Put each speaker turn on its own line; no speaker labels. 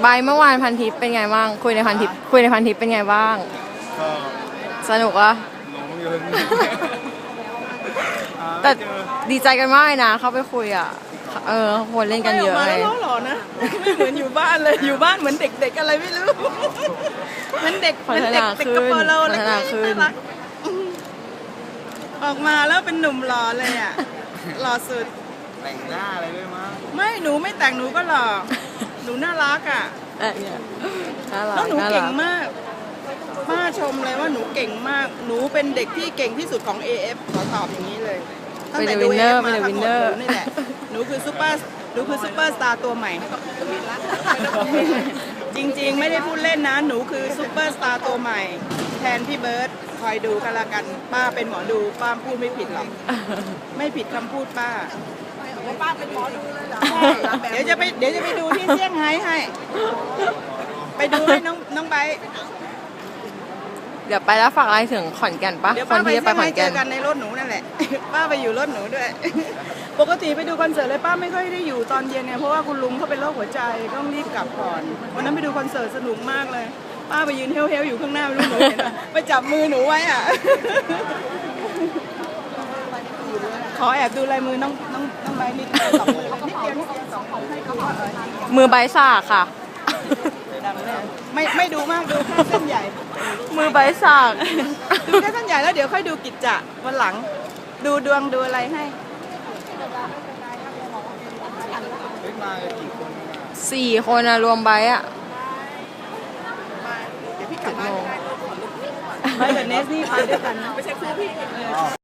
บายเมื่อวานพันทิปเป็นไงบ้างคุยในพันทิปเป็นไงบ้าง
ก็
สนุกอะ
หลงอยู่
แต่ดีใจกันมากเลยนะเข้าไปคุยอ่ะคนเล่นกันเยอะเลย
ไม่ออกมาแล้วหรอนะไม่เหมือนอยู่บ้านเลยอยู่บ้านเหมือนเด็กๆอะไรไม่รู้เหมือนเด็ก
พัฒนาขึ้นพัฒนาขึ้น
ออกมาแล้วเป็นหนุ่มหล่อเลยอ่ะหล่อสุด
แต่งหน้าอะไรด้วยมั้ง
ไม่หนูไม่แต่งหนูก็หล่อหนูน่ารักอ่ะ
เนี่ย
แล้วหนูเก่งมากป้าชมเลยว่าหนูเก่งมากหนูเป็นเด็กที่เก่งที่สุดของ AF ขอตอบอย่างนี้เลยตั้งแต่ดู AF มาทั้งหมดนี่แหละหนูคือซูเปอร์สตาร์ตัวใหม่จริงๆไม่ได้พูดเล่นนะหนูคือซูเปอร์สตาร์ตัวใหม่แทนพี่เบิร์ดคอยดูกันละกันป้าเป็นหมอดูป้าพูดไม่ผิดหรอกไม่ผิดคำพูดป้าเป็นหมอดูเลยเหรอเดี๋ยวจะไปดูที่เซี่ยงไฮ้ให้ไปดูให้น้องไบ
เดี๋ยวไปแล้วฝากอะไรถึงขอนแก่นปะ
เดี๋ยว
ค
ป้าน ไป
ที่จะไป
เซี่ยง
ขอน
ไฮ้เจ
แก่น
อกันในรถหนูนั่นแหละป้าไปอยู่รถหนูด้วยปกติไปดูคอนเสิร์ตเลยป้าไม่ค่อยได้อยู่ตอนเย็นเนี่ยเพราะว่าคุณลุงเขาเป็นโรคหัวใจต้องรีบกลับก่อนวันนั้นไปดูคอนเสิร์ตสนุกมากเลยป้าไปยืนเฮลอยู่ข้างหน้าไม่รู้หนูเห็นไปจับมือหนูไว้อ่ะขอแอบดูลายมือน้องใบนิดสองมือนิดเดียวสองของให้เขา
มือใบสากค่ะ
ไม่ดูมากดูแค่เส้นใหญ่
มือใบสาก
ดูแค่เส้นใหญ่แล้วเดี๋ยวค่อยดูกิจจะวันหลังดูดวงดูอะไรให้
มากี่คน
4 คนอะรวมใบอะ
เดี๋ยวพี่กลับมาไปกับเนสนี่ไปด้วยกันไม่ใช่คู่พี่